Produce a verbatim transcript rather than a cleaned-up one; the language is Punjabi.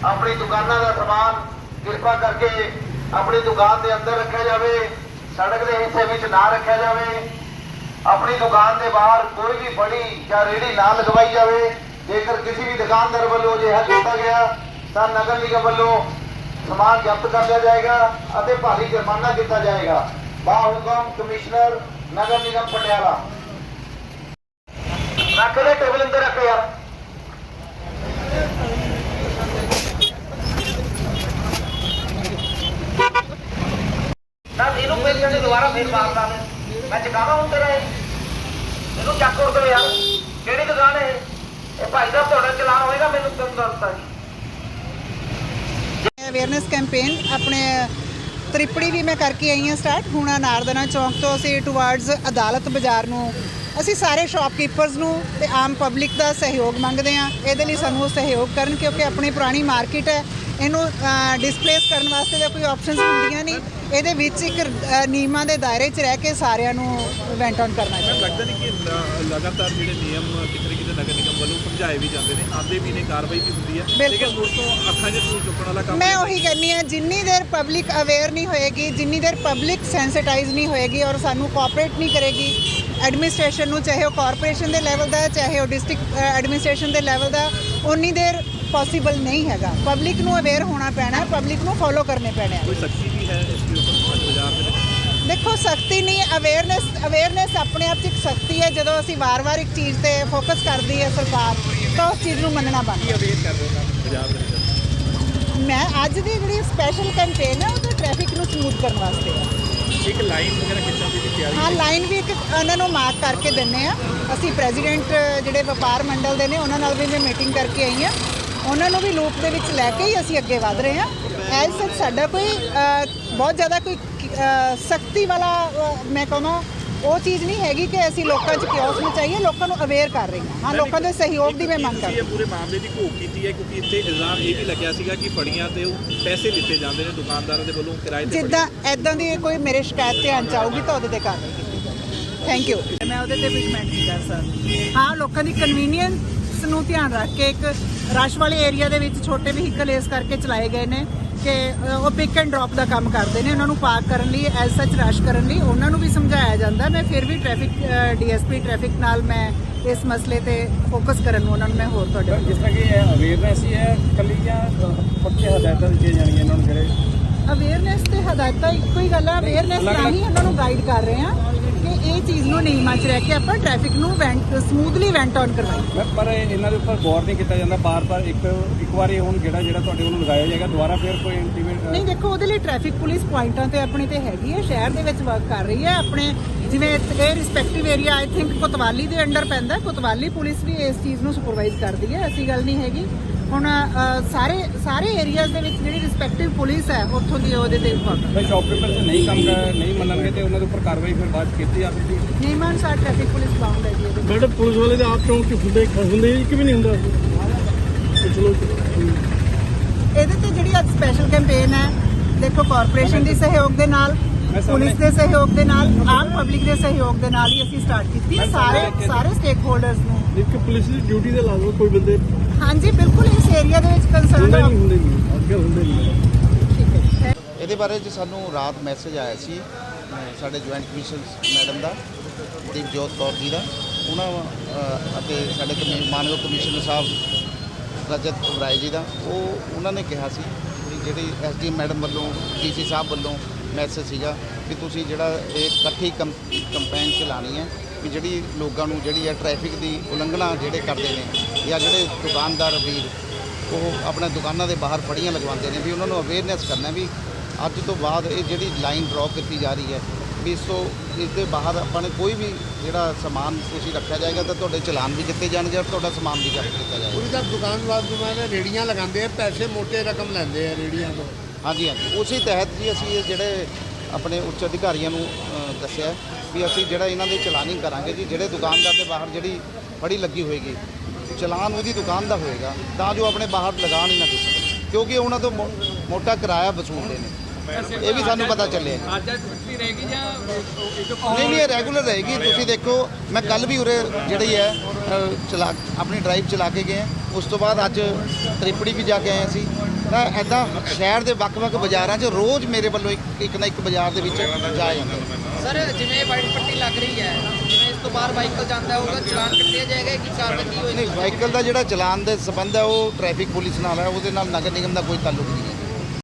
अपनी दुकानों का समान कृपा करके अपनी दुकान के अंदर रखा जाए, सड़क के हिस्से में ना रखा जाए। अपनी दुकान के बाहर कोई भी बड़ी या रेहड़ी ना लगवाई जाए। जेकर किसी भी दुकानदार वालों अजिहा किया गया तो नगर निगम वालों समान जब्त कर लिया जाएगा और भारी जुर्माना किया जाएगा। बाहुकम कमिश्नर नगर निगम पटियाला। रख ले टेबल अंदर रख यार। ना इनू पेशेंट ने दोबारा फिर मारता है। मैं चकावा हूं तेरा इनू चक उड़ दो यार। केड़ी दुकान है ये भाई साहब? थोड़ा चलान होएगा मैनू तुम दसता जी। अवेयरनेस कैंपेन अपने त्रिपड़ी भी मैं करके आई हाँ स्टार्ट। हुण नारदना चौक तो असीं टुवर्ड्स अदालत बाजार नूं ਅਸੀਂ ਸਾਰੇ ਸ਼ਾਪਕੀਪਰਸ ਨੂੰ ਤੇ ਆਮ ਪਬਲਿਕ ਦਾ ਸਹਿਯੋਗ ਮੰਗਦੇ ਹਾਂ। ਇਹਦੇ ਲਈ ਸਾਨੂੰ ਸਹਿਯੋਗ ਕਰਨ ਕਿਉਂਕਿ ਆਪਣੀ ਪੁਰਾਣੀ ਮਾਰਕੀਟ ਹੈ, ਇਹਨੂੰ ਡਿਸਪਲੇਸ ਕਰਨ ਵਾਸਤੇ ਤਾਂ ਕੋਈ ਆਪਸ਼ਨਸ ਹੁੰਦੀਆਂ ਨਹੀਂ। ਇਹਦੇ ਵਿੱਚ ਇੱਕ ਨਿਯਮਾਂ ਦੇ ਦਾਇਰੇ 'ਚ ਰਹਿ ਕੇ ਸਾਰਿਆਂ ਨੂੰ ਇਵੈਂਟ ਔਨ ਕਰਨਾ ਚਾਹੀਦਾ। ਲੱਗਦਾ ਨਹੀਂ ਕਿ ਲਗਾਤਾਰ ਜਿਹੜੇ ਨਿਯਮ ਕਿਤੇ ਕਿਤੇ ਨਗਰ ਨਿਗਮ ਵੱਲੋਂ ਸਮਝਾਏ ਵੀ ਜਾਂਦੇ ਨੇ, ਆਉਂਦੇ ਵੀ ਨੇ, ਕਾਰਵਾਈ ਵੀ ਹੁੰਦੀ ਹੈ, ਲੇਕਿਨ ਮੁੜ ਤੋਂ ਅੱਖਾਂ 'ਚ ਧੂੜ ਚੁੱਕਣ ਵਾਲਾ ਕੰਮ। ਮੈਂ ਉਹੀ ਕਹਿੰਦੀ ਹਾਂ, ਜਿੰਨੀ ਦੇਰ ਪਬਲਿਕ ਅਵੇਅਰ ਨਹੀਂ ਹੋਏਗੀ, ਜਿੰਨੀ ਦੇਰ ਪਬਲਿਕ ਸੈਂਸਿਟਾਈਜ਼ ਨਹੀਂ ਹੋਏਗੀ ਔਰ ਸਾਨੂੰ ਕੋਆਪਰੇਟ ਨਹੀਂ ਕਰੇਗੀ ਐਡਮਿਨਿਸਟ੍ਰੇਸ਼ਨ ਨੂੰ, ਚਾਹੇ ਉਹ ਕਾਰਪੋਰੇਸ਼ਨ ਦੇ ਲੈਵਲ ਦਾ ਚਾਹੇ ਉਹ ਡਿਸਟ੍ਰਿਕਟ ਐਡਮਿਨਿਸਟ੍ਰੇਸ਼ਨ ਦੇ ਲੈਵਲ ਦਾ, ਉਨੀ ਦੇਰ ਪੋਸੀਬਲ ਨਹੀਂ ਹੈਗਾ। ਪਬਲਿਕ ਨੂੰ ਅਵੇਅਰ ਹੋਣਾ ਪੈਣਾ, ਪਬਲਿਕ ਨੂੰ ਫੋਲੋ ਕਰਨੇ ਪੈਣੇ। ਕੋਈ ਸਖਤੀ ਵੀ ਹੈ ਇਸ ਦੇ ਉੱਪਰ ਬਾਜ਼ਾਰ ਦੇ ਵਿੱਚ? ਦੇਖੋ ਸਖਤੀ ਨਹੀਂ, ਅਵੇਅਰਨੈਸ ਅਵੇਅਰਨੈਸ ਆਪਣੇ ਆਪ 'ਚ ਇੱਕ ਸਖਤੀ ਹੈ। ਜਦੋਂ ਅਸੀਂ ਵਾਰ-ਵਾਰ ਇੱਕ ਚੀਜ਼ ਤੇ ਫੋਕਸ ਕਰਦੀ ਹੈ ਸਰਕਾਰ ਤਾਂ ਉਸ ਚੀਜ਼ ਨੂੰ ਮੰਨਣਾ ਬਣਦਾ। ਅਵੇਅਰ ਕਰ ਰਹੇ ਹੋ ਬਾਜ਼ਾਰ ਦੇ ਵਿੱਚ? ਮੈਂ ਅੱਜ ਦੀ ਜਿਹੜੀ ਸਪੈਸ਼ਲ ਕੈਂਪੇਨ ਹੈ ਉਹ ਤਾਂ ਟ੍ਰੈਫਿਕ ਨੂੰ ਸਮੂਥ ਕਰਨ ਵਾਸਤੇ ਹੈ। ਇੱਕ ਲਾਈਨ ਵਗੈਰਾ ਖਿੱਚਣ ਦੀ ਤਿਆਰੀ? ਹਾਂ, ਲਾਈਨ ਵੀ ਇੱਕ ਉਹਨਾਂ ਨੂੰ ਮਾਰਕ ਕਰਕੇ ਦਿੰਦੇ ਆ। ਅਸੀਂ ਪ੍ਰੈਜ਼ੀਡੈਂਟ ਜਿਹੜੇ ਵਪਾਰ ਮੰਡਲ ਦੇ ਨੇ ਉਹਨਾਂ ਨਾਲ ਵੀ ਮੈਂ ਮੀਟਿੰਗ ਕਰਕੇ ਆਈ ਹਾਂ। ਉਹਨਾਂ ਨੂੰ ਵੀ ਲੂਪ ਦੇ ਵਿੱਚ ਲੈ ਕੇ ਹੀ ਅਸੀਂ ਅੱਗੇ ਵਧ ਰਹੇ ਹਾਂ। ਐਜ਼ ਸੱਚ ਸਾਡਾ ਕੋਈ ਬਹੁਤ ਜ਼ਿਆਦਾ ਕੋਈ ਸਖਤੀ ਵਾਲਾ ਮੈਂ ਕਹਾਂ ਉਹ ਚੀਜ਼ ਨਹੀਂ ਹੈਗੀ ਕਿ ਅਸੀਂ ਲੋਕਾਂ 'ਚ ਕਿਓਸ ਮਚਾਈਏ, ਲੋਕਾਂ ਨੂੰ ਅਵੇਅਰ ਕਰ ਰਹੇ ਹਾਂ। ਹਾਂ, ਲੋਕਾਂ ਦੇ ਸਹਿਯੋਗ ਦੀ ਮੈਂ ਮੰਗ ਕਰਦੀ ਹਾਂ। ਪੂਰੇ ਮਾਮਲੇ ਦੀ ਘੋਖ ਕੀਤੀ ਹੈ ਕਿਉਂਕਿ ਇੱਥੇ ਇਲਜ਼ਾਮ ਇਹ ਵੀ ਲੱਗਿਆ ਸੀਗਾ ਕਿ ਫੜੀਆਂ ਤੇ ਉਹ ਪੈਸੇ ਲਿੱਤੇ ਜਾਂਦੇ ਨੇ ਦੁਕਾਨਦਾਰਾਂ ਦੇ ਵੱਲੋਂ ਕਿਰਾਏ ਤੇ। ਜਿੱਦਾਂ ਐਦਾਂ ਦੀ ਕੋਈ ਮੇਰੇ ਸ਼ਿਕਾਇਤ ਧਿਆਨ 'ਚ ਆਊਗੀ ਤਾਂ ਉਹਦੇ ਤੇ ਕਾਰਵਾਈ ਕੀਤੀ ਜਾਊਗੀ। Thank you. ਮੈਂ ਉਹਦੇ ਤੇ ਵੀ ਕਮੈਂਟ ਨਹੀਂ ਕਰ ਸਕਦੀ। ਹਾਂ, ਲੋਕਾਂ ਦੀ ਕਨਵੀਨੀਅੰਸ ਨੂੰ ਧਿਆਨ ਰੱਖ ਕੇ ਇੱਕ ਰਸ਼ ਵਾਲੇ ਏਰੀਆ ਦੇ ਵਿੱਚ ਛੋਟੇ ਵਹੀਕਲ ਇਸ ਕਰਕੇ ਚਲਾਏ ਗਏ ਨੇ ਕਿ ਉਹ ਪਿਕ ਐਂਡ ਡ੍ਰੌਪ ਦਾ ਕੰਮ ਕਰਦੇ ਨੇ। ਉਹਨਾਂ ਨੂੰ ਪਾਰਕ ਕਰਨ ਲਈ, ਐਜ਼ ਸੱਚ ਰਸ਼ ਕਰਨ ਲਈ ਉਹਨਾਂ ਨੂੰ ਵੀ ਸਮਝਾਇਆ ਜਾਂਦਾ। ਮੈਂ ਫਿਰ ਵੀ ਟ੍ਰੈਫਿਕ ਡੀਐਸਪੀ ਟ੍ਰੈਫਿਕ ਨਾਲ ਮੈਂ ਇਸ ਮਸਲੇ ਤੇ ਫੋਕਸ ਕਰਨ ਨੂੰ ਉਹਨਾਂ ਨੂੰ ਮੈਂ ਹੋਰ ਤੁਹਾਡੇ ਜਿਸ ਤਰ੍ਹਾਂ ਕਿ ਅਵੇਅਰਨੈਸ ਹੀ ਹੈ ਇਕੱਲੀ ਜਾਂ ਪੱਕੇ ਹਦਾਇਤਾਂ ਦਿੱਤੀਆਂ ਜਾਣਗੀਆਂ ਇਹਨਾਂ ਨੂੰ? ਜਿਹੜੇ ਅਵੇਅਰਨੈਸ ਤੇ ਹਦਾਇਤਾਂ ਇੱਕੋ ਹੀ ਗੱਲ ਹੈ। ਅਵੇਅਰਨੈਸ ਰਾਹੀਂ ਉਹਨਾਂ ਨੂੰ ਗਾਈਡ ਕਰ ਰਹੇ ਹਾਂ ਕਿ ਇਹ ਚੀਜ਼ ਨੂੰ ਨਿਯਮਾਂ 'ਚ ਰਹਿ ਕੇ ਆਪਾਂ ਟ੍ਰੈਫਿਕ ਨੂੰ ਵੈਂਟ ਸਮੂਥਲੀ ਵੈਂਟ ਔਨ ਕਰਵਾਈਏ। ਪਰ ਇਹਨਾਂ ਦੇ ਉੱਪਰ ਗੌਰ ਨਹੀਂ ਕੀਤਾ ਜਾਂਦਾ। ਬਾਰ-ਬਾਰ ਇੱਕ ਇੱਕ ਵਾਰੀ ਹੁਣ ਜਿਹੜਾ ਜਿਹੜਾ ਤੁਹਾਡੇ ਵੱਲੋਂ ਲਗਾਇਆ ਜਾਏਗਾ ਦੁਬਾਰਾ ਫਿਰ ਕੋਈ ਇੰਟੀਮੇਟ ਨਹੀਂ। ਦੇਖੋ ਉਹਦੇ ਲਈ ਟ੍ਰੈਫਿਕ ਪੁਲਿਸ ਪੁਆਇੰਟਾਂ ਤੇ ਆਪਣੀ ਤੇ ਹੈਗੀ ਹੈ, ਸ਼ਹਿਰ ਦੇ ਵਿੱਚ ਵਰਕ ਕਰ ਰਹੀ ਹੈ। ਆਪਣੇ ਜਿਵੇਂ ਇਹ respective area I think Kotwali ਦੇ ਅੰਡਰ ਪੈਂਦਾ, ਕੋਤਵਾਲੀ ਪੁਲਿਸ ਵੀ ਇਸ ਚੀਜ਼ ਨੂੰ ਸੁਪਰਵਾਈਜ਼ ਕਰਦੀ ਹੈ। ਐਸੀ ਗੱਲ ਨਹੀਂ ਹੈਗੀ। ਹੁਣ ਸਾਰੇ ਸਾਰੇ ਏਰੀਆਜ਼ ਦੇ ਵਿੱਚ ਜਿਹੜੀ ਰਿਸਪੈਕਟਿਵ ਪੁਲਿਸ ਹੈ ਉੱਥੋਂ ਦੀ ਉਹਦੇ ਤੇ ਫਿਰ ਸ਼ਾਪਕੀਪਰ ਜੇ ਨਹੀਂ ਕੰਮ ਨਹੀਂ ਮੰਨਣਗੇ ਤੇ ਉਹਨਾਂ ਦੇ ਉੱਪਰ ਕਾਰਵਾਈ ਫਿਰ ਬਾਅਦ ਕੀਤੀ ਜਾਵੇਗੀ। ਨਿਯਮਾਂ ਅਨੁਸਾਰ ਟ੍ਰੈਫਿਕ ਪੁਲਿਸ ਬਾਉਂਡ ਹੈ ਜੀ ਇਹਦੇ। ਮੈਡਮ ਪੁਲਿਸ ਵਾਲੇ ਦੇ ਆਪ ਚੌਂਕ ਚ ਹੁੰਦੇ ਹੁੰਦੇ ਇੱਕ ਵੀ ਨਹੀਂ ਹੁੰਦਾ। ਚਲੋ ਇਹਦੇ ਤੇ ਜਿਹੜੀ ਅੱਜ ਸਪੈਸ਼ਲ ਕੈਂਪੇਨ ਹੈ, ਦੇਖੋ ਕਾਰਪੋਰੇਸ਼ਨ ਦੇ ਸਹਿਯੋਗ ਦੇ ਨਾਲ, ਪੁਲਿਸ ਦੇ ਸਹਿਯੋਗ ਦੇ ਨਾਲ, ਆਮ ਪਬਲਿਕ ਦੇ ਸਹਿਯੋਗ ਦੇ ਨਾਲ ਹੀ ਅਸੀਂ ਸਟਾਰਟ ਕੀਤੀ। ਸਾਰੇ ਸਾਰੇ ਸਟੇਕ ਹੋਲਡਰਸ ਨੂੰ ਇੱਕ ਪੁਲਿਸ ਦੀ ਡਿਊਟੀ ਤੇ ਲਾ ਦੋ ਕੋਈ ਬੰਦੇ। ਹਾਂਜੀ ਬਿਲਕੁਲ ਇਸ ਏਰੀਆ ਦੇ ਵਿੱਚ ਕੰਸਰਨ ਨਹੀਂ ਹੁੰਦੇ ਨਹੀਂ ਅੱਗੇ ਹੁੰਦੇ ਨਹੀਂ। ਠੀਕ ਹੈ। ਇਹਦੇ ਬਾਰੇ 'ਚ ਸਾਨੂੰ ਰਾਤ ਮੈਸੇਜ ਆਇਆ ਸੀ ਸਾਡੇ ਜੁਆਇੰਟ ਕਮਿਸ਼ਨ ਮੈਡਮ ਦਾ, ਦੀਪਜੋਤ ਕੌਰ ਜੀ ਦਾ, ਉਹਨਾਂ ਅਤੇ ਸਾਡੇ ਕਮੀ ਮਾਨਯੋਗ ਕਮਿਸ਼ਨਰ ਸਾਹਿਬ ਰਜਤ ਉਬਰਾਏ ਜੀ ਦਾ। ਉਹ ਉਹਨਾਂ ਨੇ ਕਿਹਾ ਸੀ ਕਿ ਜਿਹੜੀ ਐਸ ਡੀ ਮੈਡਮ ਵੱਲੋਂ ਡੀ ਸੀ ਸਾਹਿਬ ਵੱਲੋਂ ਮੈਸੇਜ ਸੀਗਾ ਕਿ ਤੁਸੀਂ ਜਿਹੜਾ ਇਹ ਇਕੱਠੀ ਕੰਪ ਕੰਪੇਨ ਚਲਾਉਣੀ ਹੈ ਵੀ ਜਿਹੜੀ ਲੋਕਾਂ ਨੂੰ ਜਿਹੜੀ ਹੈ ਟ੍ਰੈਫਿਕ ਦੀ ਉਲੰਘਣਾ ਜਿਹੜੇ ਕਰਦੇ ਨੇ ਜਾਂ ਜਿਹੜੇ ਦੁਕਾਨਦਾਰ ਵੀਰ ਉਹ ਆਪਣਾ ਦੁਕਾਨਾਂ ਦੇ ਬਾਹਰ ਫੜੀਆਂ ਲਗਵਾਉਂਦੇ ਨੇ ਵੀ ਉਹਨਾਂ ਨੂੰ ਅਵੇਅਰਨੈਸ ਕਰਨਾ ਵੀ ਅੱਜ ਤੋਂ ਬਾਅਦ ਇਹ ਜਿਹੜੀ ਲਾਈਨ ਡਰॉ ਕੀਤੀ ਜਾ ਰਹੀ ਹੈ ਵੀ ਇਸ ਤੋਂ ਇਸ ਦੇ ਬਾਹਰ ਆਪਾਂ ਨੇ ਕੋਈ ਵੀ ਜਿਹੜਾ ਸਮਾਨ ਤੁਸੀਂ ਰੱਖਿਆ ਜਾਏਗਾ ਤਾਂ ਤੁਹਾਡੇ ਚਲਾਨ ਵੀ ਕੀਤੇ ਜਾਣਗੇ ਔਰ ਤੁਹਾਡਾ ਸਮਾਨ ਵੀ ਜ਼ਬਤ ਕੀਤਾ ਜਾਏਗਾ। ਉਹਦੀ ਤਾਂ ਦੁਕਾਨਦਾਰ ਦੁਕਾਨ ਰੇੜੀਆਂ ਲਗਾਉਂਦੇ ਆ, ਪੈਸੇ ਮੋਟੇ ਰਕਮ ਲੈਂਦੇ ਆ ਰੇੜੀਆਂ ਤੋਂ। ਹਾਂਜੀ ਹਾਂਜੀ, ਉਸੇ ਤਹਿਤ ਜੀ ਅਸੀਂ ਇਹ ਜਿਹੜੇ ਆਪਣੇ ਉੱਚ ਅਧਿਕਾਰੀਆਂ ਨੂੰ ਦੱਸਿਆ ਵੀ ਅਸੀਂ ਜਿਹੜਾ ਇਹਨਾਂ ਦੇ ਚਲਾਨਿੰਗ ਕਰਾਂਗੇ ਜੀ। ਜਿਹੜੇ ਦੁਕਾਨਦਾਰ ਦੇ ਬਾਹਰ ਜਿਹੜੀ ਫੜੀ ਲੱਗੀ ਹੋਏਗੀ ਚਲਾਨ ਉਹਦੀ ਦੁਕਾਨ ਦਾ ਹੋਏਗਾ ਤਾਂ ਜੋ ਆਪਣੇ ਬਾਹਰ ਲਗਾਉਣ ਹੀ ਨਾ ਦੇ ਸਕਣ, ਕਿਉਂਕਿ ਉਹਨਾਂ ਤੋਂ ਮੋਟਾ ਕਿਰਾਇਆ ਵਸੂਲਦੇ ਨੇ। ਇਹ ਵੀ ਸਾਨੂੰ ਪਤਾ ਚੱਲਿਆ। ਅੱਜ ਛੁੱਟੀ ਰਹੇਗੀ ਜਾਂ ਇੱਕ ਨਹੀਂ ਨਹੀਂ ਇਹ ਰੈਗੂਲਰ ਰਹੇਗੀ। ਤੁਸੀਂ ਦੇਖੋ ਮੈਂ ਕੱਲ ਵੀ ਉਰੇ ਜਿਹੜੀ ਹੈ ਅ, ਚਲਾ ਆਪਣੀ ਡਰਾਈਵ ਚਲਾ ਕੇ ਗਏ ਹਾਂ। ਉਸ ਤੋਂ ਬਾਅਦ ਅੱਜ ਤ੍ਰਿਪੜੀ ਵੀ ਜਾ ਕੇ ਆਏ ਅਸੀਂ। ਤਾਂ ਐਦਾਂ ਸ਼ਹਿਰ ਦੇ ਵੱਖ-ਵੱਖ ਬਾਜ਼ਾਰਾਂ 'ਚ ਰੋਜ਼ ਮੇਰੇ ਵੱਲੋਂ ਇੱਕ ਇੱਕ ਨਾ ਇੱਕ ਬਾਜ਼ਾਰ ਦੇ ਵਿੱਚ ਜਾਇਆ ਜਾਂਦਾ। ਸਰ ਜਿਵੇਂ ਵਾਈਟ ਪੱਟੀ ਲੱਗ ਰਹੀ ਹੈ, ਜਿਵੇਂ ਇਸ ਤੋਂ ਬਾਹਰ ਵਾਹੀਕਲ ਜਾਂਦਾ ਹੋਊਗਾ ਚਲਾਨ ਕੱਟਿਆ ਜਾਏਗਾ ਕਿ ਕਾਰਵਾਈ ਕੀ ਹੋਏਗੀ? ਨਹੀਂ ਵਾਹੀਕਲ ਦਾ ਜਿਹੜਾ ਚਲਾਨ ਦੇ ਸੰਬੰਧ ਹੈ ਉਹ ਟ੍ਰੈਫਿਕ ਪੁਲਿਸ ਨਾਲ ਹੈ, ਉਹਦੇ ਨਾਲ ਨਗਰ ਨਿਗਮ ਦਾ ਕੋਈ ਤਾਲੁਕ ਨਹੀਂ ਹੈ।